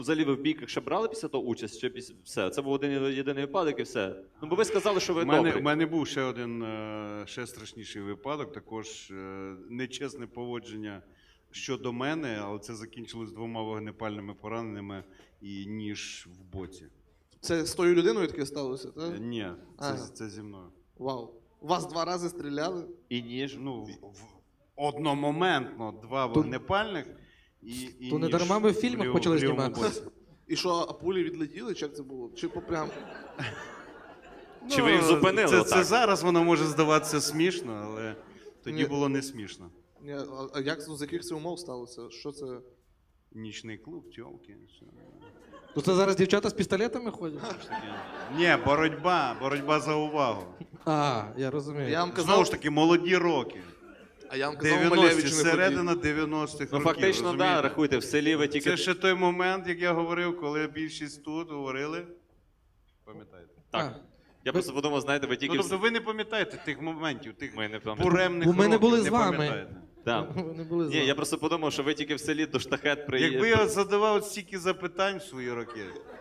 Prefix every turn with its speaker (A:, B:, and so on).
A: Взагалі ви в бійках ще брали після того участь, чи все? Це був один єдиний випадок і все. Ну, бо ви сказали, що ви добрі.
B: У мене був ще один, ще страшніший випадок, також нечесне поводження щодо мене, але це закінчилось 2 вогнепальними пораненнями і ніж в боці.
C: Це з тою людиною таке сталося, так?
B: Ні, це зі мною.
C: Вау. Вас 2 рази стріляли?
A: І ніж.
B: Ну, одномоментно 2 вогнепальних і
D: То не
B: ніж
D: дарма ми в фільмах почали
B: лівому
D: знімати.
B: боці.
C: І що, а пулі відлетіли, чи як це було? Чи попрям?
A: Чи ви їх зупинили
B: Це
A: отак?
B: зараз воно може здаватися смішно, але тоді
C: Ні.
B: було не смішно.
C: Ні, а як, з яких це умов сталося? Що це?
B: Нічний клуб, тьолки. все.
D: То це зараз дівчата з пістолетами ходять?
B: Ні, боротьба за увагу.
D: А, я розумію.
C: Я вам
B: Знову
C: казав,
B: ж таки, молоді роки.
C: а я вам казав
B: 90-ті,
C: Малевичу не
B: середина
C: ходіть.
B: 90-х
A: Ну,
B: років,
A: фактично, так,
B: розумієте?
A: рахуйте, в селі ви тільки...
B: Це ще той момент, як я говорив, коли більшість тут говорили. Пам'ятаєте?
A: Так. Я просто подумав, знаєте, ви тільки...
B: Ну, тобто ви не пам'ятаєте тих моментів, тих
A: Ми не пам'ятаємо.
B: буремних
D: Бо ми не
B: років,
D: були з вами.
B: пам'ятаєте.
A: Так.
D: Вони були
A: Ні, я просто подумав, що ви тільки в селі до штахет приїдете.
B: Якби я задавав стільки запитань в свої роки,